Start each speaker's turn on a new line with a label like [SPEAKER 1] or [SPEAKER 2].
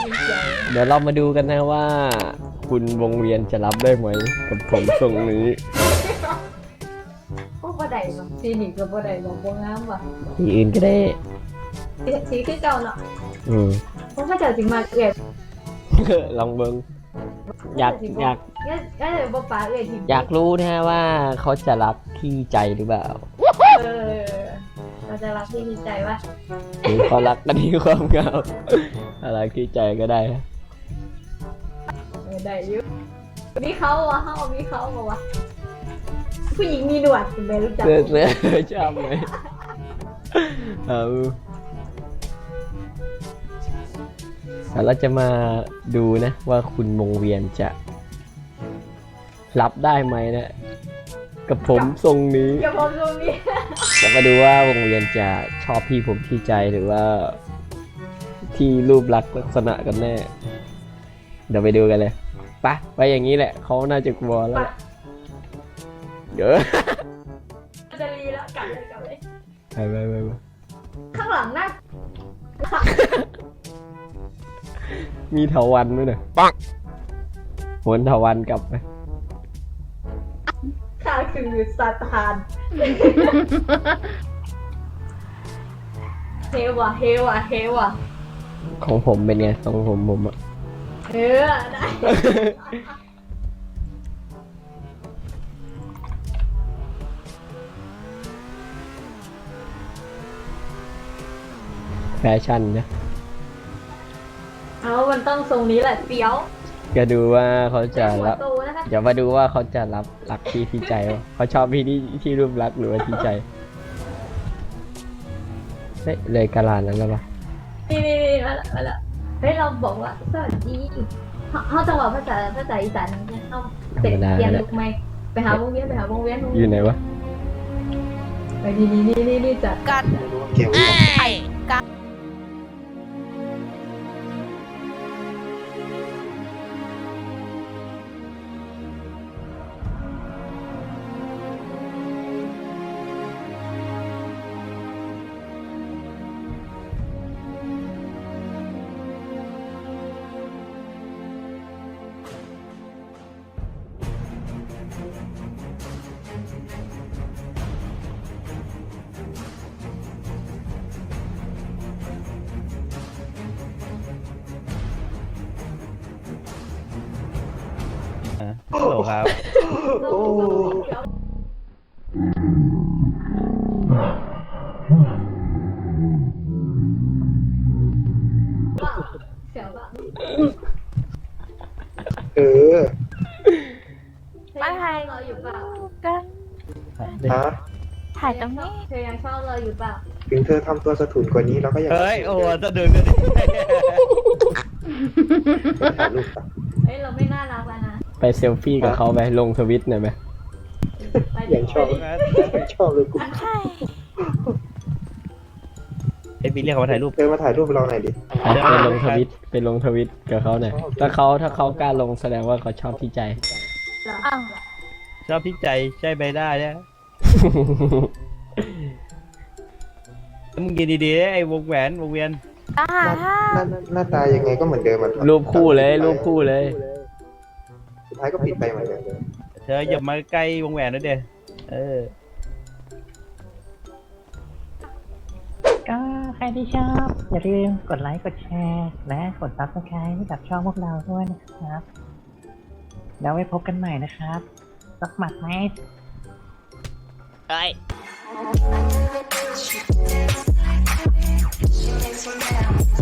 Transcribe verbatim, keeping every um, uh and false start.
[SPEAKER 1] เดี๋ยวเรามาดูกันนะว่า คุณวงเวียนจะรับได้ไหมกับผมทรงนี้
[SPEAKER 2] โอ้บ่ได้เนาะสีนี่ก็บ่ได้บ่บ่งามว่ะ
[SPEAKER 1] ที่อื่นก็ได้
[SPEAKER 2] สีคือเก่าเนาะ
[SPEAKER 1] อืม
[SPEAKER 2] เพราะว่าเจ้าสิมาเอื้อย
[SPEAKER 1] ลองเบิ้งอยากอยาก
[SPEAKER 2] ก็ก็เลยบ่ปาเอื้อยที่
[SPEAKER 1] อยากรู้นะฮะว่าเขาจะรับที่ใจหรือเปล่า
[SPEAKER 2] เออเราจะรับที่ดีใจว่า
[SPEAKER 1] หรือเขารักกันที่ความเหงาอะไรที่ใจก็ได้ฮะ
[SPEAKER 2] เออได้อยู่มีเขาวะเฮามีเขาบ่วะผู้หญิงมีหนวดคุณแม่รู้จัก
[SPEAKER 1] เสื้อเสื้อชอบไหมเอาแต่เราจะมาดูนะว่าคุณวงเวียนจะรับได้ไหมนะกับผมทรงนี้
[SPEAKER 2] อย่าบอกตรงนี้
[SPEAKER 1] จะมาดูว่าวงเวียนจะชอบพี่ผมที่ใจหรือว่าที่รูปลักษณ์ลักษณะกันแน่เดี๋ยวไปดูกันเลยไปไปอย่างนี้แหละเขาน่าจะกลัวแล้วแหละเดี๋ยว
[SPEAKER 2] จะรีแล้วกลับเลยกลับเลย
[SPEAKER 1] ไปไปไปไป
[SPEAKER 2] ข้างหลังน่า
[SPEAKER 1] มีเถาวันด้วยนะปังหวนเถาวันกลับไป
[SPEAKER 2] ข้าคือซาตานเฮวะเฮวะเฮวะ
[SPEAKER 1] ของผมเป็นไงของผมผมอะ
[SPEAKER 2] เออได้
[SPEAKER 1] แฟชั่นนะ
[SPEAKER 2] เอามันต้องทรงนี้แหละเปี้ยว
[SPEAKER 1] จะดูว่าเขาจะ
[SPEAKER 2] หัว
[SPEAKER 1] รับ
[SPEAKER 2] โตนะคะ
[SPEAKER 1] เดี๋ยวมาดูว่าเขาจะรับรักพี่ที่ใจวะเขาชอบพี่ที่ที่รูปลักษณ์หรือว่าที่ใจเฮ้ยเลยกาลานั้นแล้วปะ
[SPEAKER 2] นี่นี่นี่มาละมาละเฮ้ยเราบอกว่าสวัสดีเขาเขาจะบอกภาษาภาษาอีสานเนี่ยเขาเตะเปลี่ยนลุกไหมไปหาวงเวียนไปหาวงเวียน
[SPEAKER 1] อยู่ไหนวะ
[SPEAKER 2] ไปนี่นี่นี่นี่นี่จัด
[SPEAKER 3] กัน
[SPEAKER 4] เกี่ยวกับ
[SPEAKER 3] ไข่กัน
[SPEAKER 5] ฮัลโหลครับ
[SPEAKER 2] โอ้เสียวป่ะ
[SPEAKER 4] เออ
[SPEAKER 3] มาถ่าย
[SPEAKER 2] เราอยู่เปล่า
[SPEAKER 3] กัน
[SPEAKER 4] ฮะ
[SPEAKER 3] ถ่ายตรงนี้
[SPEAKER 2] เธอยังชอบเราอยู่เปล่า
[SPEAKER 4] ถึงเธอทำตัวสะทุนกว่านี้เราก็ยัง
[SPEAKER 5] เฮ้ย โอ้จะดึงกันดิ
[SPEAKER 4] ถ่ายรูปปะ
[SPEAKER 2] เฮ้ยเราไม่น่ารักแล้วนะ
[SPEAKER 1] ไปเซลฟี่กับเขาไปลงทวิตหน่อยไหม
[SPEAKER 2] ไป
[SPEAKER 4] ยังชอบยังชอบเลยกู
[SPEAKER 3] ใช่
[SPEAKER 5] ไอ้บีเรียกเขามาถ่ายรูป
[SPEAKER 4] เธอมาถ่ายรูปเราหน่อยดิ
[SPEAKER 1] ไปไปลงทวิตไปลงทวิตกับเขาหน่อยถ้าเขาถ้าเขากล้าลงแสดงว่าเขาชอบที่ใจ
[SPEAKER 3] อ้าว
[SPEAKER 5] ชอบที่ใจใช่ใบหน้าเนี่ยแล้วมึงกินดีๆไอ้วงแหวนวงเวียน
[SPEAKER 3] อ่า
[SPEAKER 4] หน้าหน้าหน้าตายังไงก็เหมือนเดิมอ่ะ
[SPEAKER 1] รูปคู่เลยรูปคู่เลย
[SPEAKER 4] สุดท้ายก็ปิดไปเหมือนเดิม
[SPEAKER 5] เธออย่ามาใกล้วงแหวนนะเด้เออ
[SPEAKER 6] ก็ใครที่ชอบ อย่าลืมกดไลค์กดแชร์และกดซับสไครต์ให้กับช่องพวกเราด้วยนะครับ แล้วไว้พบกันใหม่นะครับสักหมัดไหม
[SPEAKER 3] เฮ้ย